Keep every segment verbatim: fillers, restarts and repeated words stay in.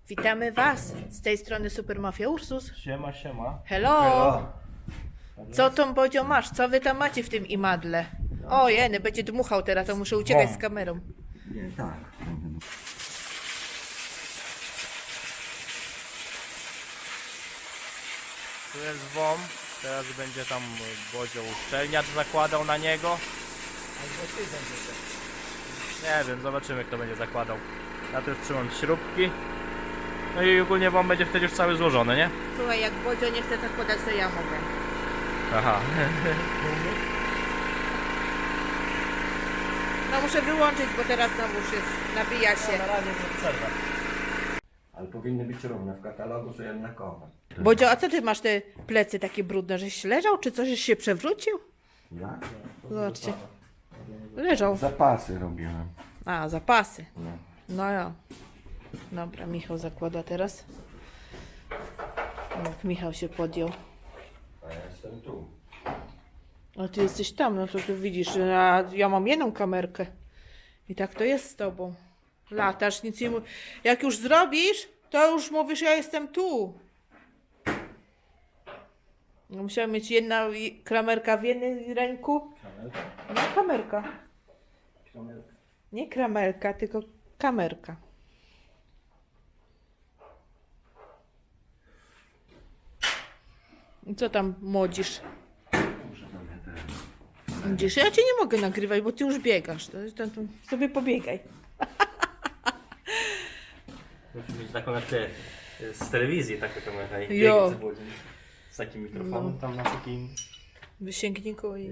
Witamy Was z tej strony Supermafia Ursus. Siema, siema. Hello! Hello. Co tą Bodzio masz? Co Wy tam macie w tym imadle? O jeny, będzie dmuchał teraz, to muszę uciekać Wąt. z kamerą. Nie, tak. Tu jest W O M. Teraz będzie tam Bodzio uszczelniacz zakładał na niego. Nie wiem, zobaczymy kto będzie zakładał. Ja tu już trzymam śrubki. No i ogólnie W O M będzie wtedy już cały złożony, nie? Słuchaj, jak Bodzio nie chce zakładać, to ja mogę. Aha. No muszę wyłączyć, bo teraz znowu już jest, nabija się. Na razie nie przerwa. Ale powinny być równe w katalogu, że jednakowe. Bodzio, a co Ty masz te plecy takie brudne, żeś leżał, czy coś się przewrócił? Ja? Zobaczcie. Leżał. Zapasy robiłem. A, zapasy. No. No ja. Dobra, Michał zakłada teraz. Jak Michał się podjął. A ja jestem tu. A ty jesteś tam, no to ty widzisz, a ja mam jedną kamerkę. I tak to jest z tobą. Latasz, nic nie mów. Jak już zrobisz, to już mówisz, ja jestem tu. No, musiałem mieć jedna i- kamerka w jednej ręku. No, kamerka. Nie kramelka, tylko kamerka. I co tam młodzisz? Muszę sobie teraz. Widzisz, ja cię nie mogę nagrywać, bo ty już biegasz. To, to, to sobie pobiegaj. Musimy mieć taką jak te z telewizji, taką kamerę. i Jo. biegnie z Bodziem. Z takim mikrofonem tam na takim... Wysięgniku i...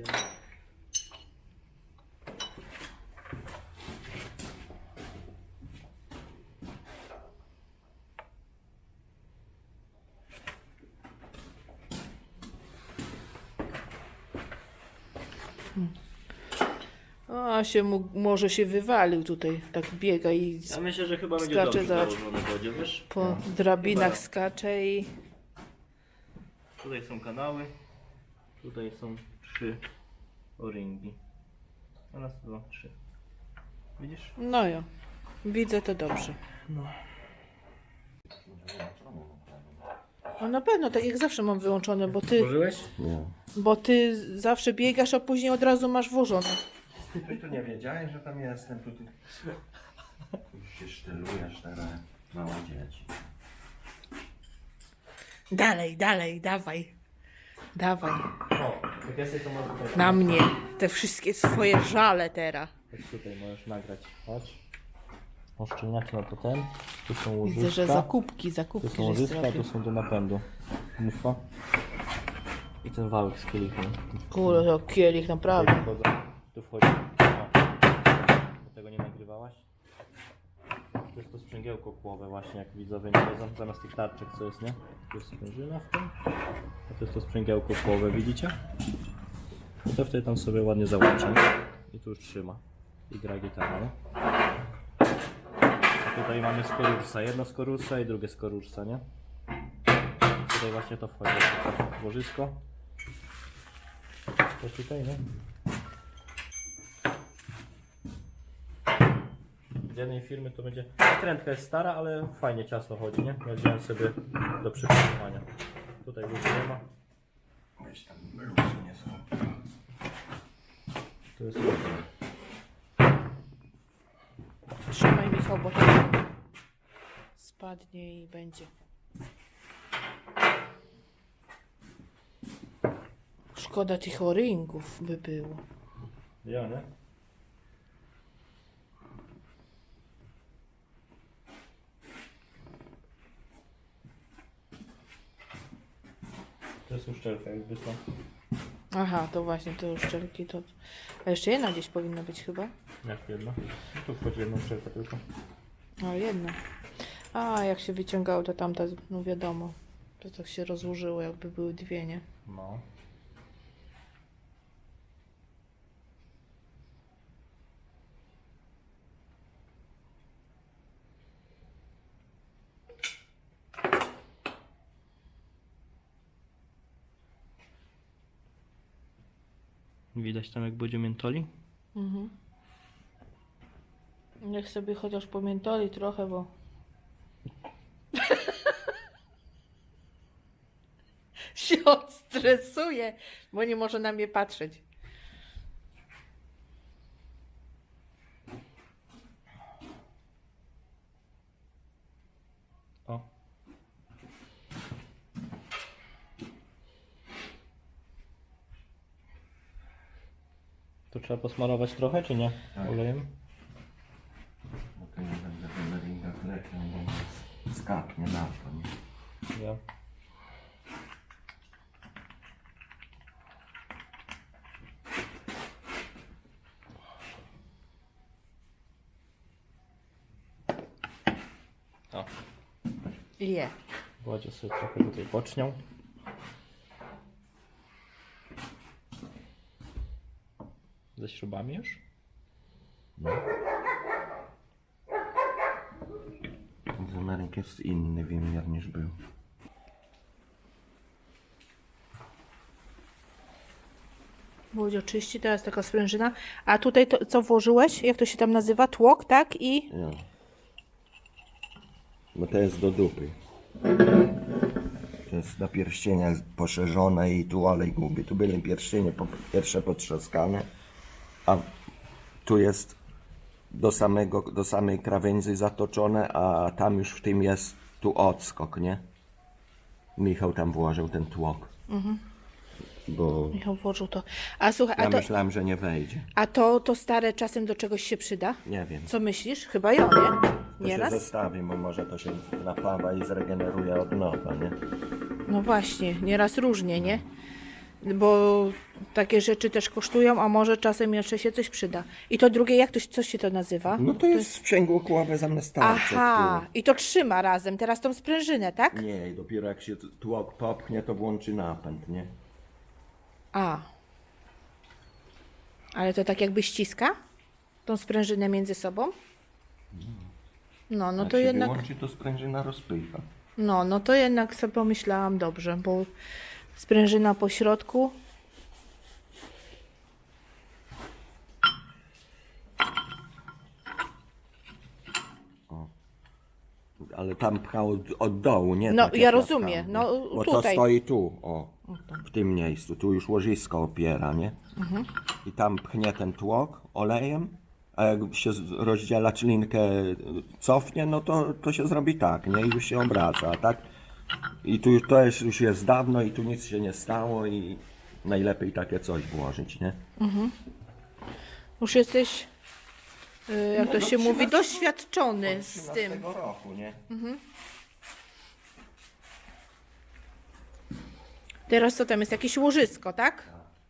A się mu, może się wywalił tutaj, tak biega i Ja myślę, że chyba będzie Skacze, dobrze zobacz. założony Bodzio, wiesz? po drabinach Chyba. skacze i... Tutaj są kanały, tutaj są trzy o-ringi. Raz, dwa, trzy. Widzisz? No jo, widzę to dobrze. No na pewno, tak jak zawsze mam wyłączone, bo ty, Włożyłeś? Nie. bo ty zawsze biegasz, a później od razu masz włożone. Ty tu nie wiedziałeś, że tam jestem. Tu, tu. Już się sztylujesz teraz. Małe dzieci. Dalej, dalej, dawaj. Dawaj. O, jak jesteś to możesz tutaj. Na mnie. Te wszystkie swoje żale teraz. Chodź tutaj możesz nagrać. Chodź. Oszczędniacze na to ten. Tu są łożyska. Widzę, że zakupki, Tu zakupki, są żeś łożyska, zrobił. tu są do napędu. Mufa. I ten wałek z kielichem. Kurde, to kielich, naprawdę. Tu wchodzą. Tu wchodzi. O. Tego nie nagrywałaś? To jest to sprzęgiełko kłowe właśnie, jak widzowie nie wiedzą, zamiast tych tarczek co jest, nie? Tu jest sprężyna w tym. A to jest to sprzęgiełko kłowe, widzicie? I to wtedy tam sobie ładnie załącza. I tu już trzyma. I gra gitara, nie? A tutaj mamy z Korursa. Jedno z Korursa i drugie z Korursa, nie? Tutaj właśnie to wchodzi. W łożysko. To tutaj, nie? Z jednej firmy to będzie... Trendka jest stara, ale fajnie ciasno chodzi, nie? Ja wziąłem sobie do przygotowania. Tutaj już nie ma. Weź tam luzu nie są. To jest... Trzymaj Michał, bo to spadnie i będzie. Szkoda tych o-ringów by było. Ja, nie? To jest uszczelka jakby to. Aha, to właśnie, to już szczelki to... A jeszcze jedna gdzieś powinna być chyba? Jak jedna? No tu wchodzi jedna uszczelka tylko. A, jedna. A, jak się wyciągało, to tamta, no wiadomo. To tak się rozłożyło, jakby były dwie, nie? No. Widać tam jak będzie miętoli? Mhm. Niech sobie chociaż pomiętoli trochę, bo się odstresuje, bo nie może na mnie patrzeć. O. To trzeba posmarować trochę, czy nie? Tak. Olejem? Bo to nie będę belleringa klepiał, bo mi skapnie na to. Nie? Ja. O, Je. Władzie sobie trochę tutaj bocznią. Ze śrubami już? Z Ameryki jest inny wymiar niż był. Było oczywiście, teraz taka sprężyna. A tutaj to, co włożyłeś? Jak to się tam nazywa? Tłok, tak? I Ja. Bo to jest do dupy. To jest do pierścienia poszerzone i tu olej gubi. Tu były pierścienie po pierwsze potrzaskane, a tu jest do, samego, do samej krawędzi zatoczone, a tam już w tym jest tu odskok, nie? Michał tam włożył ten tłok. Bo Michał włożył to. A słuchaj, ja a to, myślałem, że nie wejdzie. a to, to stare czasem do czegoś się przyda? Nie wiem. Co myślisz? Chyba ją, nie? To Nieraz? się zostawi, bo może to się napawa i zregeneruje od nowa, nie? No właśnie, nieraz różnie, nie? Bo takie rzeczy też kosztują, a może czasem jeszcze się coś przyda. I to drugie, jak to, się- coś się to nazywa? No to jest sprzęgło kławe zamiast tarczy. Aha, i to trzyma razem teraz tą sprężynę, tak? które- Nie, i dopiero jak się tłok popchnie, to włączy napęd, nie? A. Ale to tak jakby ściska? Tą sprężynę między sobą? No, no jak to się jednak... wyłączy, to sprężyna rozpycha. No, no to jednak sobie pomyślałam dobrze, bo sprężyna po środku. Ale tam pchał od, od dołu, nie? No, tak jak ja ja rozumiem, pchałem, no, nie? Bo to tutaj. stoi tu, o, w tym miejscu. Tu już łożysko opiera, nie? Mhm. I tam pchnie ten tłok olejem, a jak się z- rozdzielacz linkę cofnie, no to, to się zrobi tak, nie? I już się obraca, a tak? I tu już, to jest, już jest dawno i tu nic się nie stało i najlepiej takie coś włożyć, nie? Już jesteś, y, jak to no, się mówi, trzynaście doświadczony z tym. roku, nie? Teraz co tam jest? Jakieś łożysko, tak?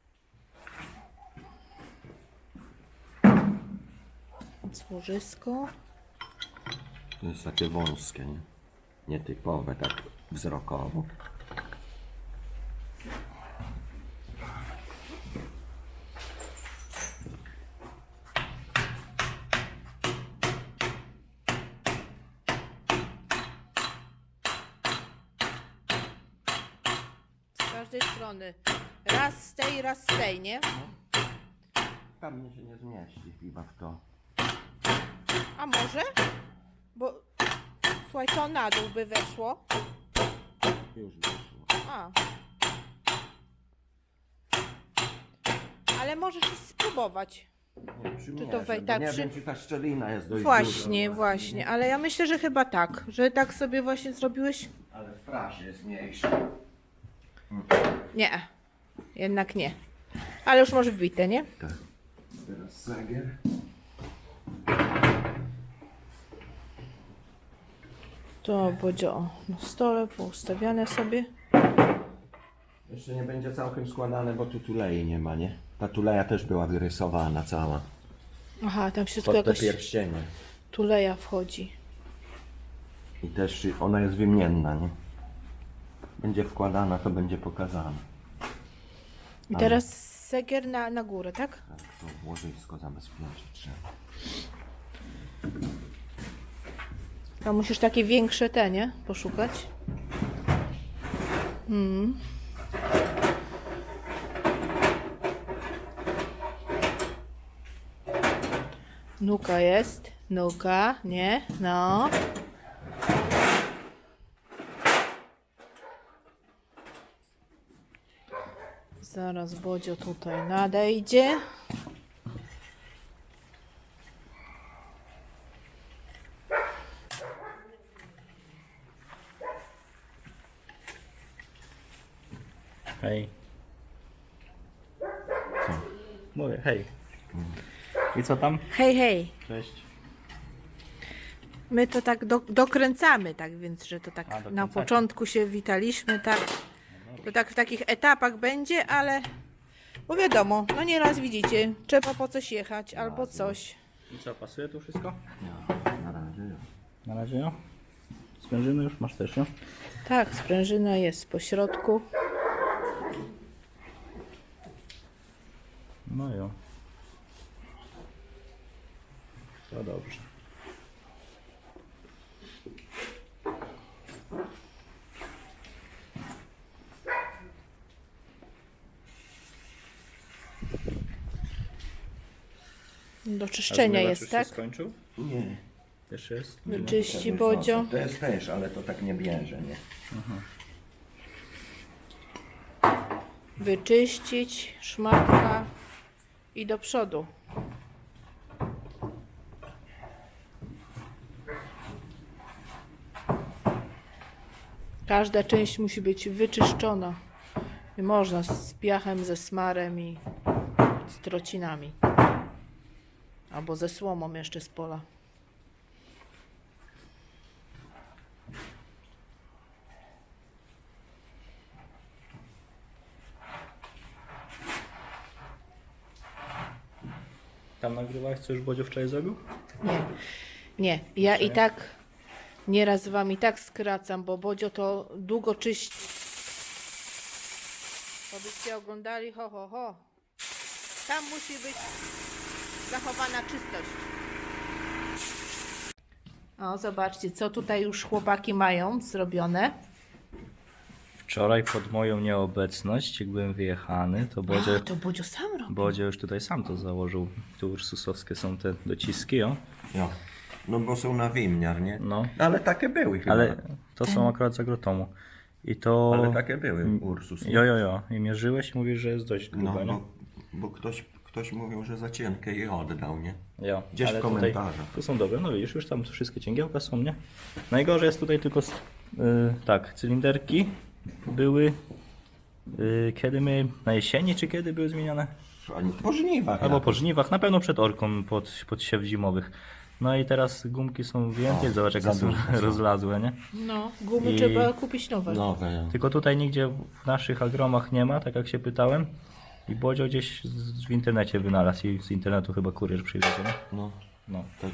Jest łożysko. To jest takie wąskie, nie? Nietypowe, tak wzrokowo. Z każdej strony. Raz z tej, raz z tej, nie? Pewnie się nie zmieści chyba w to. A może? Bo słuchaj, to na dół by weszło. Już wyszło. A. Ale możesz już spróbować. Nie, przymierzę, to wej- bo tak, nie przy- wiem, czy ta szczelina jest dość Właśnie, duża. właśnie. Ale ja myślę, że chyba tak. Że tak sobie właśnie zrobiłeś. Ale w prasie jest mniejsza. Nie. Jednak nie. Ale już masz wbite, nie? Tak. Teraz sagier. To będzie o, na stole poustawiane sobie. Jeszcze nie będzie całkiem składane, bo tu tulei nie ma, nie? Ta tuleja też była wyrysowana cała. Aha, tam w środku Pod te jakaś pierścienie. tuleja wchodzi. I też ona jest wymienna, nie? Będzie wkładana, to będzie pokazane. I teraz segier na, na górę, tak? Tak, to łożysko zabezpieczyć trzeba. To musisz takie większe te, nie? Poszukać. Mm. Nuka jest. Nuka, nie? No. Zaraz Bodzio tutaj nadejdzie. Hej. Mówię, hej. I co tam? Hej, hej. Cześć. My to tak do, dokręcamy, tak więc, że to tak A, na dokręcacie. początku się witaliśmy, tak. To tak w takich etapach będzie, ale bo wiadomo, no nieraz widzicie, trzeba po coś jechać albo coś. I co, pasuje tu wszystko? Na razie. Na razie no. Sprężyny już masz też, no? Tak, sprężyna jest po środku. No jo. To dobrze. Do czyszczenia jest, już tak? się skończył? Nie. Też jest? Wyczyści Tego Bodzio. nosa. To jest też, ale to tak nie bierze, nie? Wyczyścić, szmatka i do przodu. Każda część musi być wyczyszczona. Nie można z piachem, ze smarem i z trocinami. Albo ze słomą jeszcze z pola. Tam nagrywałeś, co już Bodzio wczoraj zrobił? Nie, nie. Ja i tak nieraz wam i tak skracam, bo Bodzio to długo czyści. To byście oglądali, ho, ho, ho. Tam musi być zachowana czystość. O, zobaczcie, co tutaj już chłopaki mają zrobione. Wczoraj pod moją nieobecność, jak byłem wyjechany, to Bodzio, A, to Bodzio sam robi. Bodzio już tutaj sam to założył. Tu ursusowskie są te dociski, o. Jo. No bo są na wymiar, nie? No. Ale takie były chyba. Ale to są akurat z agrotomu. I to... Ale takie były Ursus. nie? Jo, jo, jo. I mierzyłeś i mówisz, że jest dość No, grube, nie? bo, bo ktoś, ktoś mówił, że za cienkie je oddał, nie? Jo. Gdzieś ale w tutaj, komentarzach. tu są dobre, no widzisz, już tam wszystkie cięgiełka są, nie? Najgorzej jest tutaj tylko, s- y, tak, cylinderki były, y, kiedy my, na jesieni, czy kiedy były zmieniane? Ani po żniwach. Albo jakoś. po żniwach, na pewno przed orką, pod, pod siew zimowych. No i teraz gumki są więcej, O, zobacz jakie za są duże są. rozlazłe, nie? No, gumy I- trzeba kupić nowe. Nowe, ja. Tylko tutaj nigdzie w naszych agromach nie ma, tak jak się pytałem. I Bodzio gdzieś z, w internecie wynalazł i z internetu chyba kurier przywiezie, nie? No, No, tak.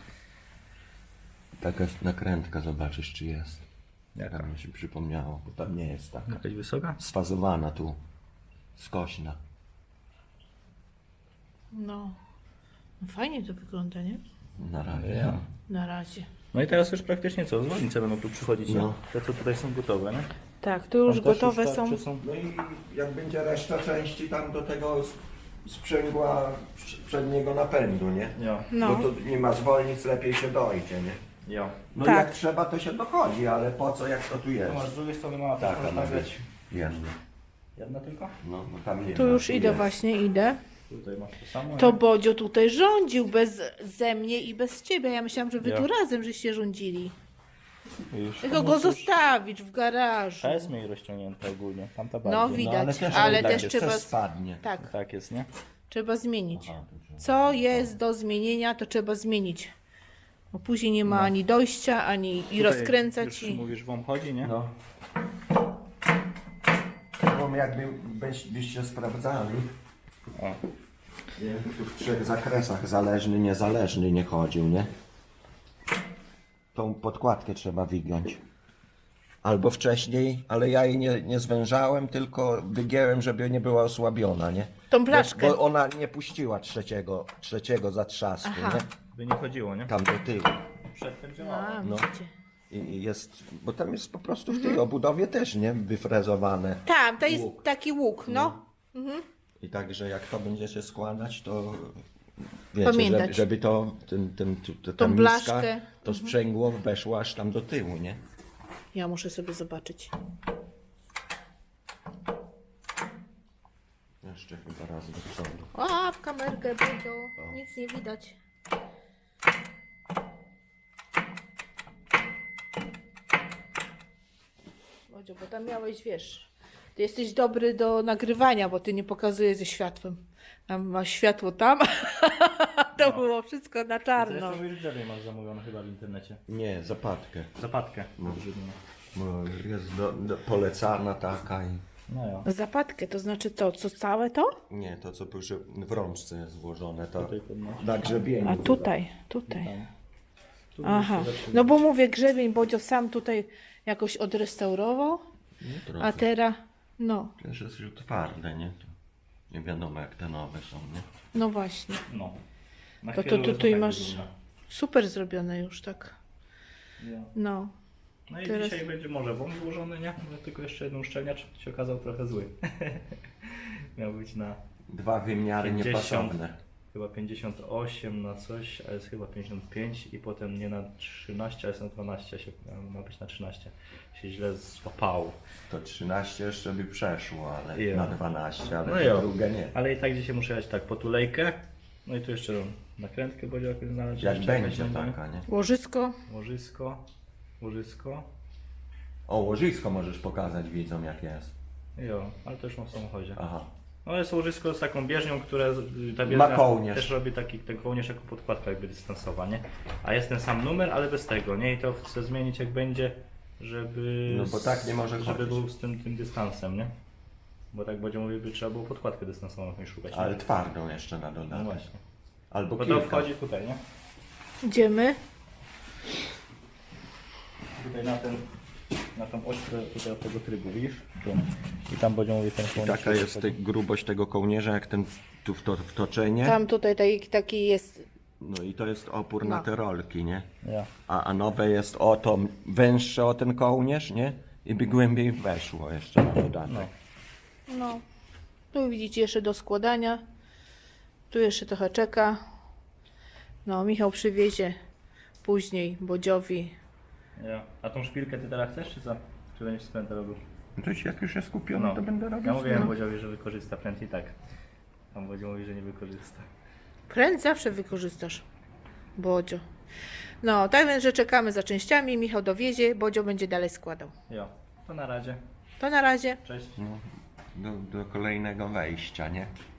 Taka nakrętka, zobaczysz czy jest. jaka? Tak mi się przypomniało, bo tam nie jest taka. Jakaś wysoka? Sfazowana tu. Skośna. No. No fajnie to wygląda, nie? Na razie. Ja. Na razie. No i teraz już praktycznie co? Zwolnice będą tu przychodzić, No. no. Te co tutaj są gotowe, nie? Tak, tu już Tam też gotowe już są. tarcze są. No i jak będzie reszta części tam do tego s- sprzęgła prz- przedniego napędu, nie? Jo. No. Bo to nie ma zwolnic, lepiej się dojdzie, nie? Jo. No Tak. jak trzeba, to się dochodzi, ale po co, jak to tu Tu jest? masz z drugiej strony mała Tak, taka, ma tak być jedna. Jedna tylko? No, no tam nie Tu ma, już idę jest. właśnie, idę. Tutaj masz to samo. To nie? Bodzio tutaj rządził bez ze mnie i bez ciebie. Ja myślałam, że wy Ja. tu razem żeście rządzili. Już Tylko tam go jest już- zostawić w garażu. Ta jest mniej rozciągnięta ogólnie, tamta No bardziej. widać, ale też, ale tak też jest, trzeba. też spadnie. Tak, Tak jest, nie? trzeba zmienić. Aha, to trzeba. Co jest do zmienienia, to trzeba zmienić. Bo później nie ma ani dojścia, ani i Tutaj rozkręcać. Już I... mówisz, wam chodzi, nie? No. Bo jakby byś- byście sprawdzali, O. jakby tu w trzech zakresach zależny, niezależny nie chodził, nie? Tą podkładkę trzeba wygiąć. Albo wcześniej, ale ja jej nie, nie zwężałem, tylko wygięłem, żeby nie była osłabiona, nie? Tą blaszkę. Bo, bo ona nie puściła trzeciego, trzeciego zatrzasku, Aha. nie? By nie chodziło, nie? Tam do tyłu. Przedtem działało. A, No. widzicie. I i jest, bo tam jest po prostu w tej obudowie też, nie? Wyfrezowane. Tam, to jest Łuk. taki łuk, no. I także jak to będziecie składać, to wiecie, Pamiętać. żeby, żeby to, ten, ten, tu- ta Tą miska, blaszkę. to sprzęgło weszło aż tam do tyłu, nie? Ja muszę sobie zobaczyć. teraz do przodu. A, w kamerkę, Bodzio. Nic nie widać. Bodzio, bo tam miałeś, wiesz, ty jesteś dobry do nagrywania, bo ty nie pokazujesz ze światłem. Tam masz światło tam, to No. było wszystko na Co czarno. jeszcze mówisz, drzewie masz zamówione chyba w internecie. Nie, zapadkę. Zapadkę. No. Bo jest do, do, polecana taka i... No ja. Zapadkę, to znaczy to, co całe to? Nie, to co przy, w rączce jest włożone, to Tutaj podnosisz. na grzebieniu. A tutaj, tutaj. Tam. Tu Aha, jeszcze zaczyna. no bo mówię grzebień, Bodzio sam tutaj jakoś odrestaurował, No, a trochę. teraz, no, Też jest już twarde, nie? To nie wiadomo jak te nowe są, nie? no właśnie. No. Na To, to, chwilę to, tutaj tak masz wygląda. super zrobione już, tak. Ja. No, No i Teraz- dzisiaj będzie może wąż złożony, nie? No, tylko jeszcze jeden uszczelniacz się okazał trochę zły. Miał być na Dwa wymiary pięćdziesiąt. niepasowne. chyba pięćdziesiąt osiem na coś, a jest chyba pięćdziesiąt pięć i potem nie na trzynaście, a jest na dwanaście, się, ma być na trzynaście. Się źle złapało. To trzynaście jeszcze by przeszło, ale Ja. na dwanaście, ale No to jo. drugie nie. Ale i tak dzisiaj muszę jechać tak po tulejkę. No i tu jeszcze nakrętkę będzie jakoś znaleźć. Jak jeszcze będzie jakaś taka, nie? łożysko, Łożysko. Łożysko. O, łożysko możesz pokazać widzom jak jest. Jo, ale to już mam w samochodzie. Aha. No jest łożysko z taką bieżnią, która ta bieżnia Ma kołnierz. też robi taki ten kołnierz jako podkładka jakby dystansowa, nie? A jest ten sam numer, ale bez tego, nie? I to chcę zmienić jak będzie, żeby No bo tak nie może żeby chodzić. był z tym, tym dystansem, nie? Bo tak będzie mówił, by trzeba było podkładkę dystansową jakąś szukać. Ale nie? twardą jeszcze na No dodatek. właśnie. Albo Bo to kilka. wchodzi tutaj, nie? idziemy. Tutaj na ten na tą oś które- tutaj od tego trybu, widzisz? Tu. I tam będzie mówił ten I kołnierz. taka jest te, grubość tego kołnierza, jak ten tu w to, wtoczenie. Tam tutaj taki, taki jest, No i to jest opór No. na te rolki, nie? Ja. A, a nowe jest o to węższe o ten kołnierz, nie? I by głębiej weszło jeszcze na dodatek. No. no. Tu widzicie jeszcze do składania. Tu jeszcze trochę czeka. No, Michał przywiezie później Bodziowi. Ja. A tą szpilkę ty teraz chcesz, czy co? Czy będziesz spętę robił? To się jak już jest kupione, No. to będę robił. Ja mówiłem No. Bodziowi, że wykorzysta pręt i tak. Tam Bodzio mówi, że nie wykorzysta. Pręd zawsze wykorzystasz, Bodzio. No, tak więc, że czekamy za częściami. Michał dowiezie, Bodzio będzie dalej składał. Jo, to na razie. To na razie. Cześć. No, do, do kolejnego wejścia, nie?